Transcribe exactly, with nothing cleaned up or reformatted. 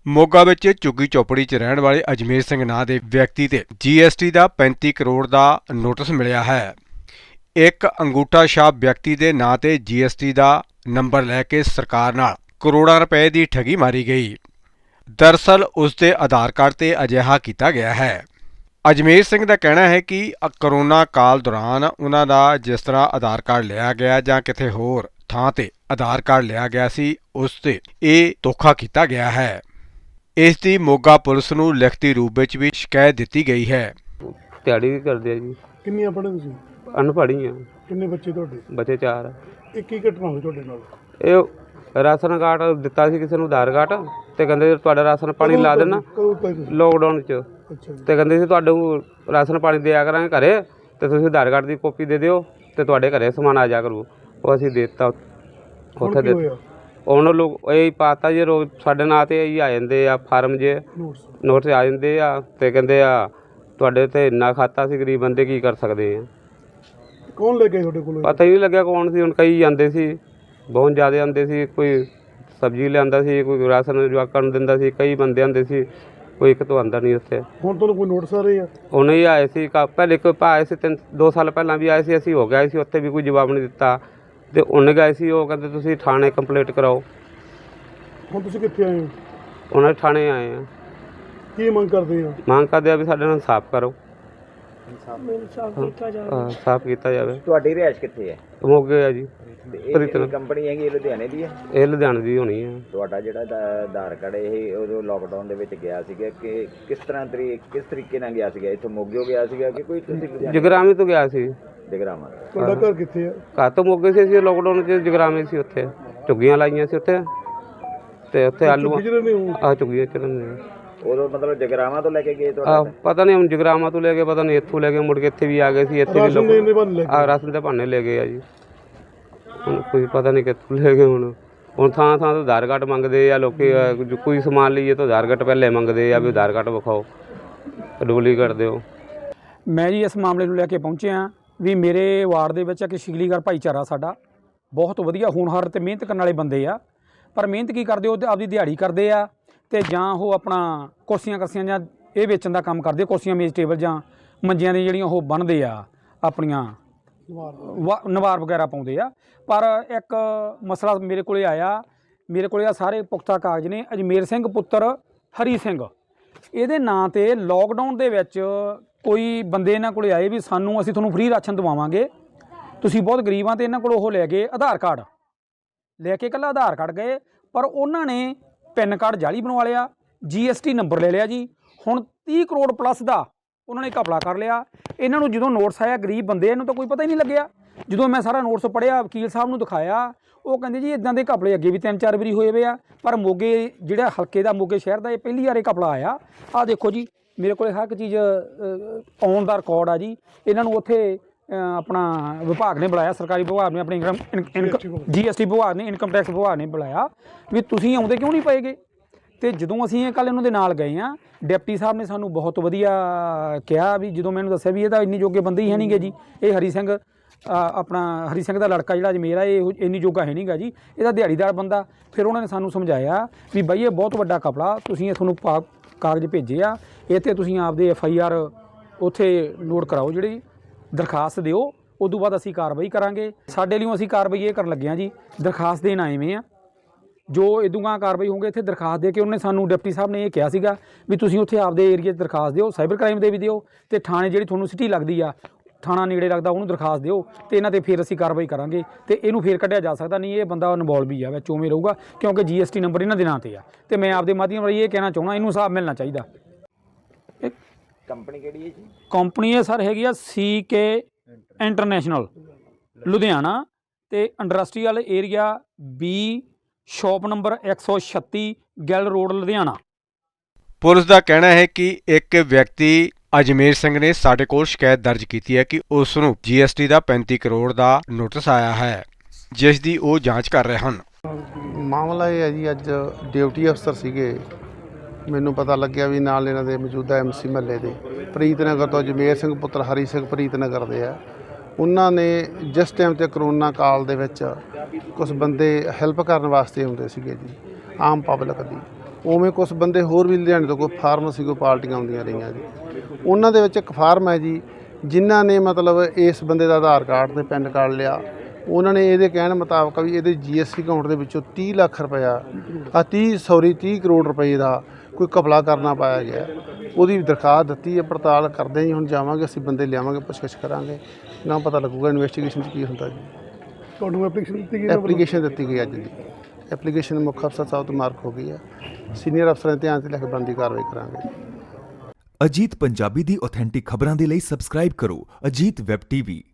ਮੋਗਾ ਵਿੱਚ ਝੁੱਗੀ ਚੌਪੜੀ 'ਚ ਰਹਿਣ ਵਾਲੇ ਅਜਮੇਰ ਸਿੰਘ ਨਾਂ ਦੇ ਵਿਅਕਤੀ ਤੇ ਜੀ ਐਸ ਟੀ ਦਾ ਪੈਂਤੀ ਕਰੋੜ ਦਾ ਨੋਟਿਸ ਮਿਲਿਆ ਹੈ। ਇੱਕ ਅੰਗੂਠਾ ਛਾਪ ਵਿਅਕਤੀ ਦੇ ਨਾਂ ਤੇ ਜੀ ਐਸ ਟੀ ਦਾ ਨੰਬਰ ਲੈ ਕੇ ਸਰਕਾਰ ਨਾਲ ਕਰੋੜਾਂ ਰੁਪਏ ਦੀ ਠੱਗੀ ਮਾਰੀ ਗਈ। ਦਰਅਸਲ ਉਸ ਦੇ ਆਧਾਰ ਕਾਰਡ ਤੇ ਅਜਿਹਾ ਕੀਤਾ ਗਿਆ ਹੈ। ਅਜਮੇਰ ਸਿੰਘ ਦਾ ਕਹਿਣਾ ਹੈ ਕਿ ਕਰੋਨਾ ਕਾਲ ਦੌਰਾਨ ਉਹਨਾਂ ਦਾ ਜਿਸ ਤਰ੍ਹਾਂ ਆਧਾਰ ਕਾਰਡ ਲਿਆ ਗਿਆ ਜਾਂ ਕਿਤੇ ਹੋਰ ਥਾਂ ਤੇ ਆਧਾਰ ਕਾਰਡ ਲਿਆ ਗਿਆ ਸੀ, ਉਸ ਤੇ ਇਹ ਧੋਖਾ ਕੀਤਾ ਗਿਆ ਹੈ। ਇਸ ਦੀ ਮੋਗਾ ਪੁਲਿਸ ਨੂੰ ਲਿਖਤੀ ਰੂਪ ਵਿੱਚ ਵੀ ਸ਼ਿਕਾਇਤ ਦਿੱਤੀ ਗਈ ਹੈ। ਦਿਹਾੜੀ ਵੀ ਕਰਦੇ ਆ ਜੀ। ਕਿੰਨੀਆਂ ਪੜ੍ਹੇ ਤੁਸੀਂ? ਅਨਪੜ੍ਹ ਆ। ਕਿੰਨੇ ਬੱਚੇ ਤੁਹਾਡੇ? ਬੱਚੇ ਚਾਰ। ਇਹ ਕੀ ਘਟਨਾ ਹੋਈ ਤੁਹਾਡੇ ਨਾਲ? ਇਹ ਰਾਸ਼ਨ ਕਾਰਡ ਦਿੱਤਾ ਸੀ ਕਿਸੇ ਨੂੰ, ਆਧਾਰ ਕਾਰਡ, ਤੇ ਕਹਿੰਦੇ ਤੁਹਾਡਾ ਰਾਸ਼ਨ ਪਾਣੀ ਲਾ ਦੇਣਾ ਲੋਕਡਾਊਨ 'ਚ। ਤੇ ਕਹਿੰਦੇ ਸੀ ਤੁਹਾਨੂੰ ਰਾਸ਼ਨ ਪਾਣੀ ਦਿਆ ਕਰਾਂਗੇ ਘਰੇ, ਤੇ ਤੁਸੀਂ ਆਧਾਰ ਕਾਰਡ ਦੀ ਕਾਪੀ ਦੇ ਦਿਓ ਤੇ ਤੁਹਾਡੇ ਘਰੇ ਸਮਾਨ ਆ ਜਾ ਕਰੂ। ਉਹ ਅਸੀਂ ਦੇ ਦਿੱਤਾ ਉੱਥੇ ਦੇ ਉਹਨਾਂ ਲੋਕ ਇਹ ਪਾਤਾ ਜੀ ਰੋਜ਼ ਸਾਡੇ ਨਾਂ 'ਤੇ ਹੀ ਆ ਜਾਂਦੇ ਆ ਫਾਰਮ ਜੇ ਨੋਟ ਆ ਜਾਂਦੇ ਆ ਤੇ ਕਹਿੰਦੇ ਆ ਤੁਹਾਡੇ ਤੇ ਇੰਨਾ ਖਾਤਾ ਸੀ, ਗਰੀਬ ਬੰਦੇ ਕੀ ਕਰ ਸਕਦੇ ਆ। ਕੌਣ ਲੈ ਕੇ ਤੁਹਾਡੇ ਕੋਲ? ਪਤਾ ਹੀ ਨਹੀਂ ਲੱਗਿਆ ਕੌਣ ਸੀ। ਹੁਣ ਕਈ ਆਉਂਦੇ ਸੀ, ਬਹੁਤ ਜ਼ਿਆਦਾ ਆਉਂਦੇ ਸੀ। ਕੋਈ ਸਬਜ਼ੀ ਲਿਆਂਦਾ ਸੀ, ਕੋਈ ਰਾਸ਼ਨ ਜਵਾਕਾਂ ਨੂੰ ਦਿੰਦਾ ਸੀ, ਕਈ ਬੰਦੇ ਆਉਂਦੇ ਸੀ, ਕੋਈ ਇੱਕ ਤੋਂ ਆਉਂਦਾ ਨਹੀਂ ਉੱਥੇ। ਹੁਣ ਤੁਹਾਨੂੰ ਕੋਈ ਨੋਟਿਸ ਆ ਰਹੇ ਆ? ਉਹਨੇ ਹੀ ਆਏ ਸੀ, ਪਹਿਲੇ ਇੱਕ ਆਏ ਸੀ, ਤਿੰਨ ਦੋ ਸਾਲ ਪਹਿਲਾਂ ਵੀ ਆਏ ਸੀ, ਅਸੀਂ ਹੋ ਗਏ ਸੀ, ਉੱਥੇ ਵੀ ਕੋਈ ਜਵਾਬ ਨਹੀਂ ਦਿੱਤਾ। ਤੇ ਉਹਨੇ ਗਏ ਸੀ, ਉਹ ਕਹਿੰਦੇ ਤੁਸੀਂ ਥਾਣੇ ਕੰਪਲੇਂਟ ਕਰਾਓ। ਹੁਣ ਤੁਸੀਂ ਕਿੱਥੇ ਆਏ ਹੋ? ਉਹਨਾਂ ਦੇ ਥਾਣੇ ਆਏ ਆ। ਕੀ ਮੰਗ ਕਰਦੇ ਆ? ਮੰਗ ਕਰਦੇ ਆ ਵੀ ਸਾਡੇ ਨਾਲ ਸਾਫ਼ ਕਰੋ, ਸਾਫ਼ ਸਾਫ਼ ਕੀਤਾ ਜਾਵੇ। ਤੁਹਾਡੀ ਰਿਹਾਇਸ਼ ਕਿੱਥੇ ਹੈ? ਮੋਗੇ ਆ ਜੀ। ਇਹ ਕੰਪਨੀ ਹੈਗੀ ਇਹ ਲੁਧਿਆਣੇ ਦੀ ਹੈ? ਇਹ ਲੁਧਿਆਣੇ ਦੀ ਹੋਣੀ ਹੈ। ਤੁਹਾਡਾ ਜਿਹੜਾ ਆਧਾਰ ਕਾਰਡ ਇਹ ਉਦੋਂ ਲੋਕਡਾਊਨ ਦੇ ਵਿੱਚ ਗਿਆ ਸੀਗਾ ਕਿ ਕਿਸ ਤਰ੍ਹਾਂ ਤਰੀਕ ਕਿਸ ਤਰੀਕੇ ਨਾਲ ਗਿਆ ਸੀਗਾ? ਇੱਥੋਂ ਮੋਗਿਓ ਗਿਆ ਸੀਗਾ ਕਿ ਕੋਈ ਤੁਸੀਂ? ਜਗਰਾਮੀ ਤੋਂ ਗਿਆ ਸੀ। ਜਗਰਾਮਾ। ਤੁਹਾਡਾ ਘਰ ਕਿੱਥੇ ਆ? ਘਰ ਤੋਂ ਮੋਗੇ ਸੀ, ਅਸੀਂ ਲੋਕਡਾਊਨ 'ਚ ਜਗਰਾਮੇ ਸੀ, ਉੱਥੇ ਝੁੱਗੀਆਂ ਲਾਈਆਂ ਸੀ ਉੱਥੇ, ਤੇ ਉੱਥੇ ਆਲੂ ਆ ਝੁੱਗੀਆਂ ਚੜ੍ਹਨ। ਉਦੋਂ ਮਤਲਬ ਜਗਰਾਮਾ ਤੋਂ ਲੈ ਕੇ ਗਏ ਤੁਹਾਡਾ? ਪਤਾ ਨਹੀਂ, ਹੁਣ ਜਗਰਾਮਾ ਤੋਂ ਲੈ ਕੇ ਪਤਾ ਨਹੀਂ ਇੱਥੋਂ ਲੈ ਕੇ ਮੁੜ ਕੇ ਇੱਥੇ ਵੀ ਆ ਗਏ ਸੀ। ਇੱਥੇ ਵੀ ਲੋਕ ਰਾਸ਼ਨ ਦੇ ਭਾਨੇ ਲੈ ਗਏ ਆ ਜੀ। ਹੁਣ ਕੋਈ ਪਤਾ ਨਹੀਂ ਕਿੱਥੋਂ ਲੈ ਗਏ। ਹੁਣ ਹੁਣ ਥਾਂ ਥਾਂ ਤੋਂ ਆਧਾਰ ਕਾਰਡ ਮੰਗਦੇ ਆ ਲੋਕੀ। ਕੋਈ ਸਮਾਨ ਲਈਏ ਤਾਂ ਆਧਾਰ ਕਾਰਡ ਪਹਿਲੇ ਮੰਗਦੇ ਆ ਵੀ ਆਧਾਰ ਕਾਰਡ ਵਿਖਾਓ, ਡੁਪਲੀਕੇਟ ਦਿਓ। ਮੈਂ ਜੀ ਇਸ ਮਾਮਲੇ ਨੂੰ ਲੈ ਕੇ ਪਹੁੰਚਿਆ ਵੀ ਮੇਰੇ ਵਾਰਡ ਦੇ ਵਿੱਚ ਇੱਕ ਸ਼ਿਗਲੀਗਰ ਭਾਈਚਾਰਾ ਸਾਡਾ ਬਹੁਤ ਵਧੀਆ ਹੋਣਹਾਰ ਅਤੇ ਮਿਹਨਤ ਕਰਨ ਵਾਲੇ ਬੰਦੇ ਆ। ਪਰ ਮਿਹਨਤ ਕੀ ਕਰਦੇ, ਉਹ ਆਪਦੀ ਦਿਹਾੜੀ ਕਰਦੇ ਆ ਅਤੇ ਜਾਂ ਉਹ ਆਪਣਾ ਕੁਰਸੀਆਂ ਕਰਸੀਆਂ ਜਾਂ ਇਹ ਵੇਚਣ ਦਾ ਕੰਮ ਕਰਦੇ, ਕੁਰਸੀਆਂ ਮੇਜ਼ ਟੇਬਲ ਜਾਂ ਮੰਜੀਆਂ ਦੀਆਂ ਜਿਹੜੀਆਂ ਉਹ ਬਣਦੇ ਆ, ਆਪਣੀਆਂ ਵਾ ਨਵਾਰ ਵਗੈਰਾ ਪਾਉਂਦੇ ਆ। ਪਰ ਇੱਕ ਮਸਲਾ ਮੇਰੇ ਕੋਲ ਆਇਆ, ਮੇਰੇ ਕੋਲ ਆ ਸਾਰੇ ਪੁਖਤਾ ਕਾਗਜ਼ ਨੇ। ਅਜਮੇਰ ਸਿੰਘ ਪੁੱਤਰ ਹਰੀ ਸਿੰਘ, ਇਹਦੇ ਨਾਂ 'ਤੇ ਲੋਕਡਾਊਨ ਦੇ ਵਿੱਚ ਕੋਈ ਬੰਦੇ ਇਹਨਾਂ ਕੋਲ ਆਏ ਵੀ ਸਾਨੂੰ ਅਸੀਂ ਤੁਹਾਨੂੰ ਫ੍ਰੀ ਰਾਸ਼ਨ ਦਵਾਵਾਂਗੇ, ਤੁਸੀਂ ਬਹੁਤ ਗਰੀਬ ਆ। ਅਤੇ ਇਹਨਾਂ ਕੋਲ ਉਹ ਲੈ ਗਏ ਆਧਾਰ ਕਾਰਡ, ਲੈ ਕੇ ਇਕੱਲਾ ਆਧਾਰ ਕਾਰਡ ਗਏ, ਪਰ ਉਹਨਾਂ ਨੇ ਪੈਨ ਕਾਰਡ ਜਾਲੀ ਬਣਵਾ ਲਿਆ, ਜੀ ਐਸ ਟੀ ਨੰਬਰ ਲੈ ਲਿਆ ਜੀ। ਹੁਣ ਤੀਹ ਕਰੋੜ ਪਲੱਸ ਦਾ ਉਹਨਾਂ ਨੇ ਘਪਲਾ ਕਰ ਲਿਆ। ਇਹਨਾਂ ਨੂੰ ਜਦੋਂ ਨੋਟਿਸ ਆਇਆ, ਗਰੀਬ ਬੰਦੇ, ਇਹਨੂੰ ਤਾਂ ਕੋਈ ਪਤਾ ਹੀ ਨਹੀਂ ਲੱਗਿਆ। ਜਦੋਂ ਮੈਂ ਸਾਰਾ ਨੋਟਿਸ ਪੜ੍ਹਿਆ, ਵਕੀਲ ਸਾਹਿਬ ਨੂੰ ਦਿਖਾਇਆ, ਉਹ ਕਹਿੰਦੇ ਜੀ ਇੱਦਾਂ ਦੇ ਘਪਲੇ ਅੱਗੇ ਵੀ ਤਿੰਨ ਚਾਰ ਵਾਰੀ ਹੋਏ ਵੇ ਆ, ਪਰ ਮੋਗੇ ਜਿਹੜਾ ਹਲਕੇ ਦਾ, ਮੋਗੇ ਸ਼ਹਿਰ ਦਾ ਇਹ ਪਹਿਲੀ ਵਾਰ ਇਹ ਘਪਲਾ ਆਇਆ। ਆਹ ਦੇਖੋ ਜੀ, ਮੇਰੇ ਕੋਲ ਹਰ ਇੱਕ ਚੀਜ਼ ਆਉਣ ਦਾ ਰਿਕਾਰਡ ਆ ਜੀ। ਇਹਨਾਂ ਨੂੰ ਉੱਥੇ ਆਪਣਾ ਵਿਭਾਗ ਨੇ ਬੁਲਾਇਆ, ਸਰਕਾਰੀ ਵਿਭਾਗ ਨੇ, ਆਪਣੀ ਇਨਕਮ ਜੀ ਐਸ ਟੀ ਵਿਭਾਗ ਨੇ, ਇਨਕਮ ਟੈਕਸ ਵਿਭਾਗ ਨੇ ਬੁਲਾਇਆ ਵੀ ਤੁਸੀਂ ਆਉਂਦੇ ਕਿਉਂ ਨਹੀਂ ਪਏਗੇ। ਅਤੇ ਜਦੋਂ ਅਸੀਂ ਇਹ ਕੱਲ੍ਹ ਇਹਨਾਂ ਦੇ ਨਾਲ ਗਏ ਹਾਂ, ਡਿਪਟੀ ਸਾਹਿਬ ਨੇ ਸਾਨੂੰ ਬਹੁਤ ਵਧੀਆ ਕਿਹਾ ਵੀ ਜਦੋਂ ਮੈਨੂੰ ਦੱਸਿਆ ਵੀ ਇਹ ਤਾਂ ਇੰਨੀ ਜੋਗੇ ਬੰਦੇ ਹੀ ਹੈ ਨਹੀਂ ਗੇ ਜੀ, ਇਹ ਹਰੀ ਸਿੰਘ ਆਪਣਾ ਹਰੀ ਸਿੰਘ ਦਾ ਲੜਕਾ ਜਿਹੜਾ ਅਜਮੇਰ ਆ, ਇਹ ਇੰਨੀ ਜੋਗਾ ਹੈ ਨਹੀਂ ਗਾ ਜੀ, ਇਹਦਾ ਦਿਹਾੜੀਦਾਰ ਬੰਦਾ। ਫਿਰ ਉਹਨਾਂ ਨੇ ਸਾਨੂੰ ਸਮਝਾਇਆ ਵੀ ਬਾਈ ਇਹ ਬਹੁਤ ਵੱਡਾ ਕਪੜਾ, ਤੁਸੀਂ ਤੁਹਾਨੂੰ ਪਾ ਕਾਗਜ਼ ਭੇਜੇ ਆ, ਇਹ 'ਤੇ ਤੁਸੀਂ ਆਪਦੇ ਐਫ ਆਈ ਆਰ ਉੱਥੇ ਨੋਟ ਕਰਾਓ, ਜਿਹੜੀ ਦਰਖਾਸਤ ਦਿਓ, ਉਦੋਂ ਬਾਅਦ ਅਸੀਂ ਕਾਰਵਾਈ ਕਰਾਂਗੇ। ਸਾਡੇ ਲਈ ਅਸੀਂ ਕਾਰਵਾਈ ਇਹ ਕਰਨ ਲੱਗੇ ਹਾਂ ਜੀ, ਦਰਖਾਸਤ ਦੇਣ ਆਏ ਵੇ ਆ। ਜੋ ਇਦੂਗਾ ਕਾਰਵਾਈ ਹੋਊਗੀ ਇੱਥੇ ਦਰਖਾਸਤ ਦੇ ਕੇ, ਉਹਨੇ ਸਾਨੂੰ ਡਿਪਟੀ ਸਾਹਿਬ ਨੇ ਇਹ ਕਿਹਾ ਸੀਗਾ ਵੀ ਤੁਸੀਂ ਉੱਥੇ ਆਪਦੇ ਏਰੀਏ 'ਚ ਦਰਖਾਸਤ ਦਿਓ, ਸਾਈਬਰ ਕ੍ਰਾਈਮ ਦੇ ਵੀ ਦਿਓ, ਅਤੇ ਥਾਣੇ ਜਿਹੜੀ ਤੁਹਾਨੂੰ ਸਿਟੀ ਲੱਗਦੀ ਆ, ਥਾਣਾ ਨੇੜੇ ਲੱਗਦਾ, ਉਹਨੂੰ ਦਰਖਾਸਤ ਦਿਓ, ਅਤੇ ਇਹਨਾਂ 'ਤੇ ਫਿਰ ਅਸੀਂ ਕਾਰਵਾਈ ਕਰਾਂਗੇ। ਅਤੇ ਇਹਨੂੰ ਫਿਰ ਕੱਢਿਆ ਜਾ ਸਕਦਾ ਨਹੀਂ, ਇਹ ਬੰਦਾ ਇਨਵੋਲਵ ਹੀ ਆ ਵਿੱਚ, ਉਵੇਂ ਰਹੂਗਾ, ਕਿਉਂਕਿ ਜੀ ਐਸ ਟੀ ਨੰਬਰ ਇਹਨਾਂ ਦੇ ਨਾਂ 'ਤੇ ਆ। ਅਤੇ ਮੈਂ ਆਪਦੇ ਮਾਧਿਅਮ ਰਾਹੀਂ ਇਹ ਕਹਿਣਾ ਚਾਹੁੰਦਾ, ਇਹਨੂੰ ਹਿਸਾਬ ਮਿਲਣਾ ਚਾਹੀਦਾ। ਕੰਪਨੀ ਕਿਹੜੀ ਹੈ ਜੀ? ਕੰਪਨੀ ਇਹ ਸਰ ਹੈਗੀ ਆ ਸੀ ਕੇ ਇੰਟਰਨੈਸ਼ਨਲ, ਲੁਧਿਆਣਾ, ਅਤੇ industrial area B, shop number ਇੱਕ ਸੌ ਛੱਤੀ, ਗਿੱਲ ਰੋਡ, ਲੁਧਿਆਣਾ। ਪੁਲਿਸ ਦਾ ਕਹਿਣਾ ਹੈ ਕਿ ਇੱਕ ਵਿਅਕਤੀ ਅਜਮੇਰ ਸਿੰਘ ਨੇ ਸਾਡੇ ਕੋਲ ਸ਼ਿਕਾਇਤ ਦਰਜ ਕੀਤੀ ਹੈ ਕਿ ਉਸ ਨੂੰ ਜੀ ਐਸ ਟੀ ਦਾ ਪੈਂਤੀ ਕਰੋੜ ਦਾ ਨੋਟਿਸ ਆਇਆ ਹੈ, ਜਿਸ ਦੀ ਉਹ ਜਾਂਚ ਕਰ ਰਹੇ ਹਨ। ਮਾਮਲਾ ਇਹ ਹੈ ਜੀ, ਅੱਜ ਡਿਊਟੀ ਅਫਸਰ ਸੀਗੇ, ਮੈਨੂੰ ਪਤਾ ਲੱਗਿਆ ਵੀ ਨਾਲ ਇਹਨਾਂ ਦੇ ਮੌਜੂਦਾ ਐਮ ਸੀ ਮਹੱਲੇ ਦੇ ਪ੍ਰੀਤ ਨਗਰ ਤੋਂ ਅਜਮੇਰ ਸਿੰਘ ਪੁੱਤਰ ਹਰੀ ਸਿੰਘ ਪ੍ਰੀਤ ਨਗਰ ਦੇ ਆ। ਉਹਨਾਂ ਨੇ ਜਿਸ ਟਾਈਮ 'ਤੇ ਕਰੋਨਾ ਕਾਲ ਦੇ ਵਿੱਚ ਕੁਝ ਬੰਦੇ ਹੈਲਪ ਕਰਨ ਵਾਸਤੇ ਆਉਂਦੇ ਸੀਗੇ ਜੀ, ਆਮ ਪਬਲਿਕ ਦੀ, ਉਵੇਂ ਕੁਝ ਬੰਦੇ ਹੋਰ ਵੀ ਲੁਧਿਆਣੇ ਤੋਂ ਕੋਈ ਫਾਰਮੇਸੀ ਕੋਈ ਪਾਰਟੀਆਂ ਆਉਂਦੀਆਂ ਰਹੀਆਂ ਜੀ। ਉਹਨਾਂ ਦੇ ਵਿੱਚ ਇੱਕ ਫਾਰਮ ਹੈ ਜੀ, ਜਿਨ੍ਹਾਂ ਨੇ ਮਤਲਬ ਇਸ ਬੰਦੇ ਦਾ ਆਧਾਰ ਕਾਰਡ ਤੇ ਪੈਨ ਕਾਰਡ ਲਿਆ। ਉਹਨਾਂ ਨੇ ਇਹਦੇ ਕਹਿਣ ਮੁਤਾਬਕ ਵੀ ਇਹਦੇ ਜੀਐਸਟੀ ਅਕਾਊਂਟ ਦੇ ਵਿੱਚੋਂ ਤੀਹ ਲੱਖ ਰੁਪਇਆ ਆ ਤੀਹ ਸੌਰੀ ਤੀਹ ਕਰੋੜ ਰੁਪਏ ਦਾ ਕੋਈ ਘਪਲਾ ਕਰਨਾ ਪਾਇਆ ਗਿਆ। ਉਹਦੀ ਦਰਖਾਸਤ ਦਿੱਤੀ ਹੈ, ਪੜਤਾਲ ਕਰਦੇ ਜੀ। ਹੁਣ ਜਾਵਾਂਗੇ ਅਸੀਂ, ਬੰਦੇ ਲਿਆਵਾਂਗੇ, ਪੁੱਛਗਿੱਛ ਕਰਾਂਗੇ, ਨਾ ਪਤਾ ਲੱਗੂਗਾ ਇਨਵੈਸਟੀਗੇਸ਼ਨ 'ਚ ਕੀ ਹੁੰਦਾ ਜੀ। ਤੁਹਾਨੂੰ ਐਪਲੀਕੇਸ਼ਨ ਦਿੱਤੀ ਗਈ ਹੈ? ਐਪਲੀਕੇਸ਼ਨ ਦਿੱਤੀ ਗਈ ਅੱਜ ਦੀ। ਐਪਲੀਕੇਸ਼ਨ ਮੁੱਖ ਅਫਸਰ ਸਾਹਿਬ ਤੋਂ ਮਾਰਕ ਹੋ ਗਈ ਹੈ। ਸੀਨੀਅਰ ਅਫਸਰਾਂ ਦੇ ਧਿਆਨ 'ਚ ਲੈ ਕੇ ਬਣਦੀ ਕਾਰਵਾਈ ਕਰਾਂਗੇ। ਅਜੀਤ ਪੰਜਾਬੀ ਦੀ ਆਥੈਂਟਿਕ ਖਬਰਾਂ ਦੇ ਲਈ ਸਬਸਕ੍ਰਾਈਬ ਕਰੋ ਅਜੀਤ ਵੈਬ ਟੀਵੀ।